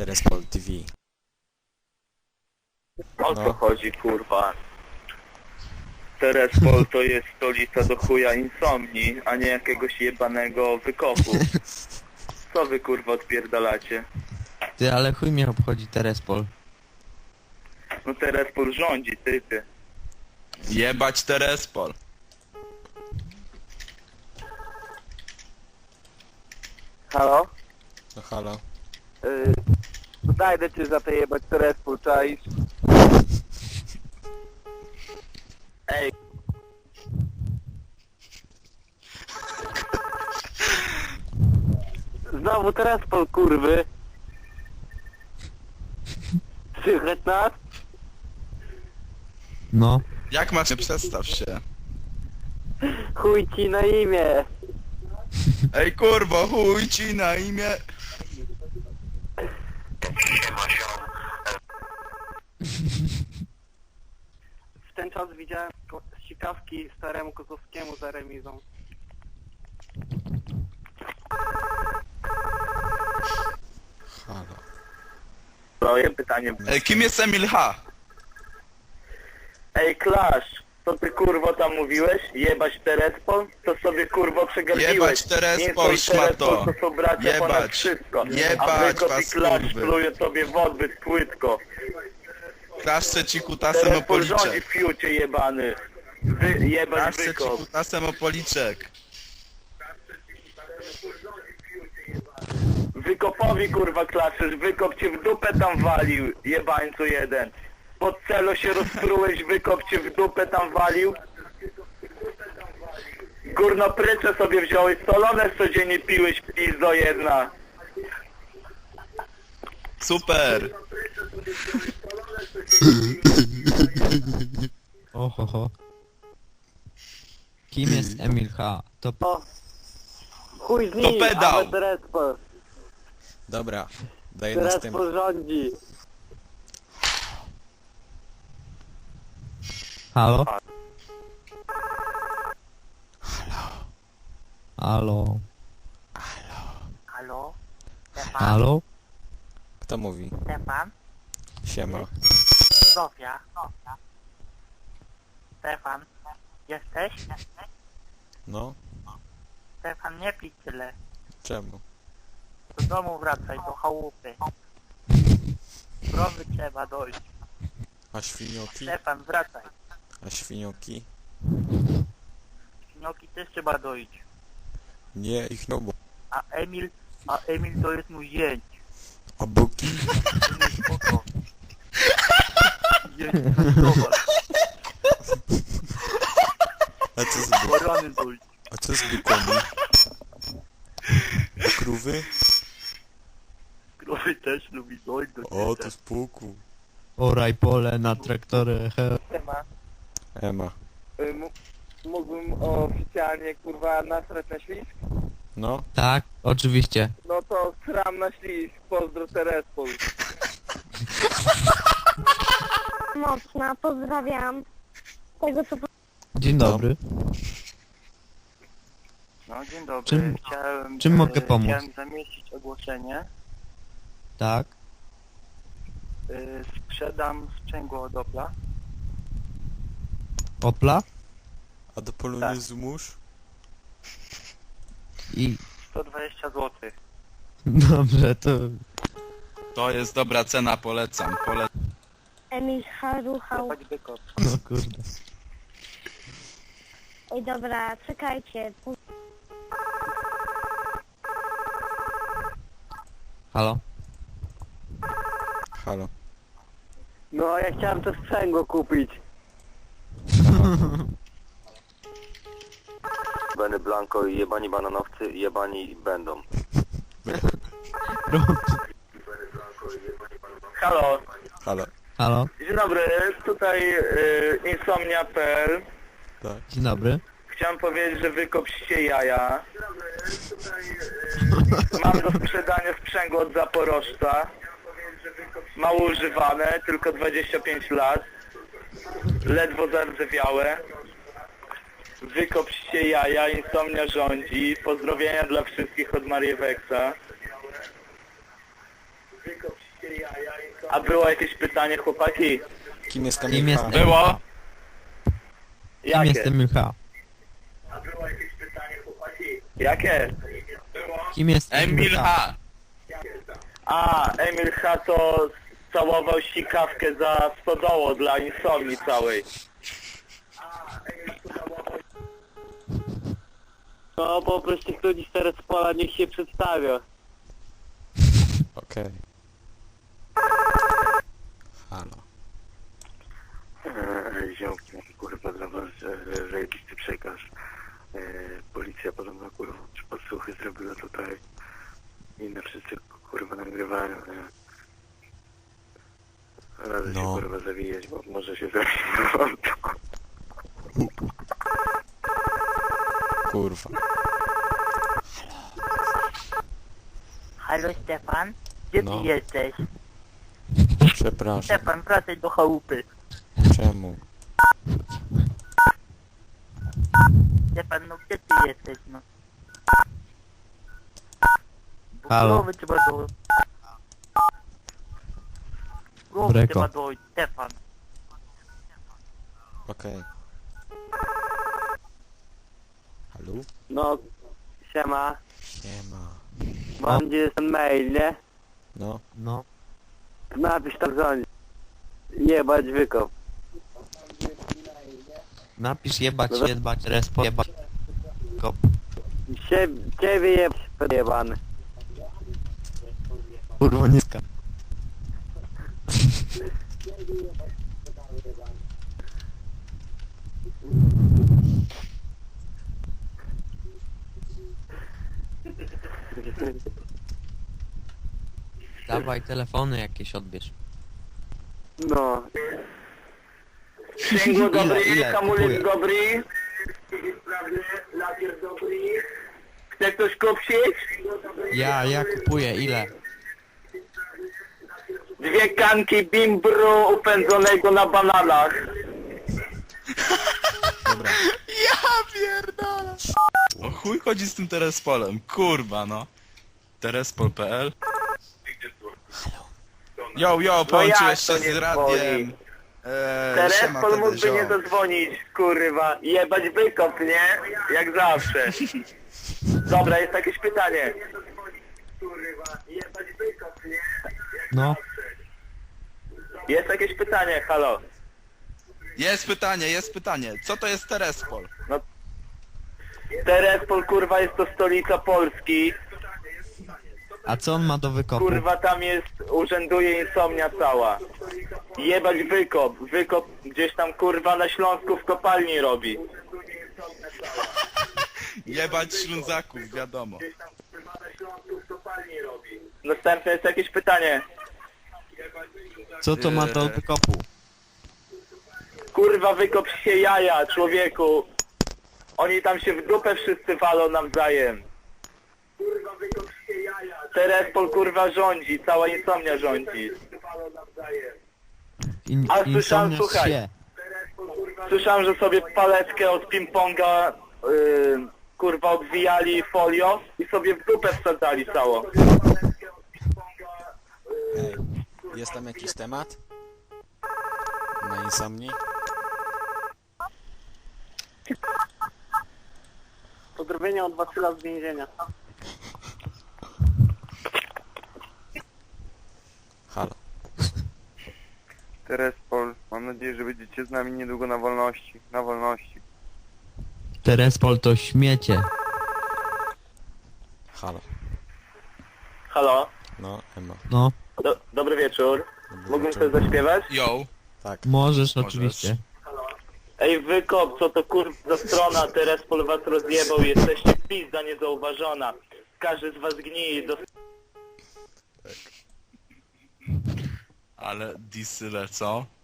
Terespol TV. O co No. chodzi, kurwa? Terespol to jest stolica do chuja insomni, a nie jakiegoś jebanego wykopu. Co wy, kurwa, odpierdalacie? Ty, ale chuj mnie obchodzi Terespol. No Terespol rządzi, ty. Jebać Terespol. Halo? No halo. Znajdę cię za te jebać Terespol, czaisz? Ej. Znowu Terespol, kurwy. Słychać nas? No. Jak masz? Przedstaw się. Chuj ci na imię. Ej kurwo, chuj ci na imię. W ten czas widziałem ścigawki staremu Kozłowskiemu za remizą. Halo. Moje pytanie. Ej, kim jest Emil H? Ej, Klasz, co ty kurwo tam mówiłeś? Jebać Terespol? To sobie kurwo przegapiłeś. Jebać Terespol, Nie szmato. to są bracia ponad Jebać. wszystko. Jebać A Wykop i was, Klasz kurwy. pluje tobie w odbyt płytko. Klaszczę ci kutasem o Terespol rządzi policzek. w fiucie jebany. Jebać Klaszczę ci Wykop. kutasem o policzek. Wykopowi kurwa klaszysz, Wykop cię w dupę tam walił, jebańcu jeden. Pod celo się rozprułeś, Wykop cię w dupę tam walił. Górno prycze sobie wziąłeś, solone codziennie piłeś, pizdo jedna. Super. Ohoho. Kim jest Emil H? To... O, chuj z To pedał. ale Terespol. Dobra, daję następny. Terespol rządzi. Halo? Halo? Halo? Stefan? Halo? Kto mówi? Stefan? Siema. Zofia? Stefan? Jesteś? No? Stefan, nie pij tyle. Czemu? Do domu wracaj, do chałupy. Krowy trzeba dojść. A świnioki? Stefan, wracaj. A świnioki? Świnioki też trzeba dojść. Nie, ich no bo... A Emil to jest mój zięć. A boki? Emil, spoko. Zięć, zobacz. A co z bo... Barany dojść. A co z bykami? A krówy? Krowy też lubi dojść do O, ciebie. to spółku. Oraj pole na traktory. Temat. Ema. Mógłbym oficjalnie kurwa nasrać na ślisk? No? Tak, oczywiście. No to sram na ślisk, pozdro Terespol. Mocna, pozdrawiam. Tego co Dzień dobry. No, dzień dobry. Czym mogę pomóc? Chciałem zamieścić ogłoszenie. Tak? Sprzedam sprzęgło od Opla. Opla? A do polu Tak. nie zmusz? I... 120 zł. Dobrze, to... To jest dobra cena, polecam. Emil haruchał. Chodź Wykop. No kurde. Ej dobra, czekajcie. Halo? Halo. No ja chciałem to sprzęgło kupić. Benny Blanco i jebani bananowcy, jebani będą. Halo. Halo. Halo? Dzień dobry, tutaj insomnia.pl. Tak. Dzień dobry. Chciałem powiedzieć, że wykopście jaja. Mam do sprzedania sprzęgło od Zaporożca. Mało używane, tylko 25 lat. Ledwo zardzewiałe. Wykopście jaja, insomnia rządzi. Pozdrowienia dla wszystkich od Marieweksa. Wykopście A było jakieś pytanie, chłopaki? Kim jest Kim Kamil jest H? Było? Kim Jakie? jest Emil H? Jakie? Kim jest Emil H. A, Emil H. to całował sikawkę za stodoło dla insomni całej. No, po prostu ktoś teraz z pola niech się przedstawia. Okej. Halo. Ziomki, kurwa, dla was zajebisty przekaz. Policja podobno, kurwa, czy podsłuchy zrobiła tutaj. I na wszyscy, kurwa, nagrywają, nie? Radzę się, No. kurwa, zawijać, bo może się zawijać. Kurwa. Halo Stefan? Gdzie No. ty jesteś? Przepraszam. Stefan, wracaj do chałupy. Czemu? Stefan, no gdzie ty jesteś, no? Halo. Głowy trzeba dojść. Głowy Breko. trzeba dojść, Stefan. Okej. Halo? No, siema. Siema. Mam gdzie jest ten mail, nie? No. No. Napisz tam dzwonić. Jebać wykop. Napisz jebać, respo, jebać. Kop. Ciebie jebać, podjebany. Kurwa, nie ska. Dawaj telefony jakieś odbierz. No. Sprzęgło dobry, Ile? hamulec Kupuję. dobry. Lakier dobry. Chce ktoś kupić? Ja kupuję, ile? 2 kanki bimbru upędzonego na bananach. Dobra. Ja pierdolę. O chuj chodzi z tym Terespolem, kurwa no. Terespol.pl. Jo, połączyłeś No jak to się z nie radiem. Teraz Siema, pan wtedy, mógłby nie ziom. zadzwonić, kurwa. Jebać wykop, nie? Jak zawsze. Dobra, jest jakieś pytanie. Kurwa, jebać wykop, nie? No. Jest jakieś pytanie, halo. Jest pytanie. Co to jest Terespol? Terespol, kurwa, jest to stolica Polski. A co on ma do wykopu? Kurwa, tam urzęduje insomnia cała. Jebać wykop. Wykop gdzieś tam, kurwa, na Śląsku w kopalni robi. Jebać Ślązaków, wiadomo. Następne jest jakieś pytanie. Co to ma do wykopu? Kurwa, wykop się jaja, człowieku. Oni tam się w dupę wszyscy walą nawzajem. Kurwa, wykop się jaja. Terespol, kurwa, rządzi, cała insomnia rządzi. A słyszałem, Insomnia słuchaj. się. Słyszałem, że sobie paletkę od ping-ponga, kurwa, odwijali folią i sobie w dupę wsadzali całą. Ej. Jest tam jakiś temat? Na insomni? Pozdrowienia od Wasyla z więzienia. Halo. Terespol, mam nadzieję, że będziecie z nami niedługo na wolności. Na wolności. Terespol to śmiecie. Halo. Halo, No, Ema. No, dobry wieczór. Dobry Mógłbym wieczór. coś zaśpiewać? Jo. Tak. możesz oczywiście. Ej, wykop, co to kurwa za strona, Terespol was rozjebał, jesteście pizda niezauważona. Każdy z was gnije do... Ale disy lecą.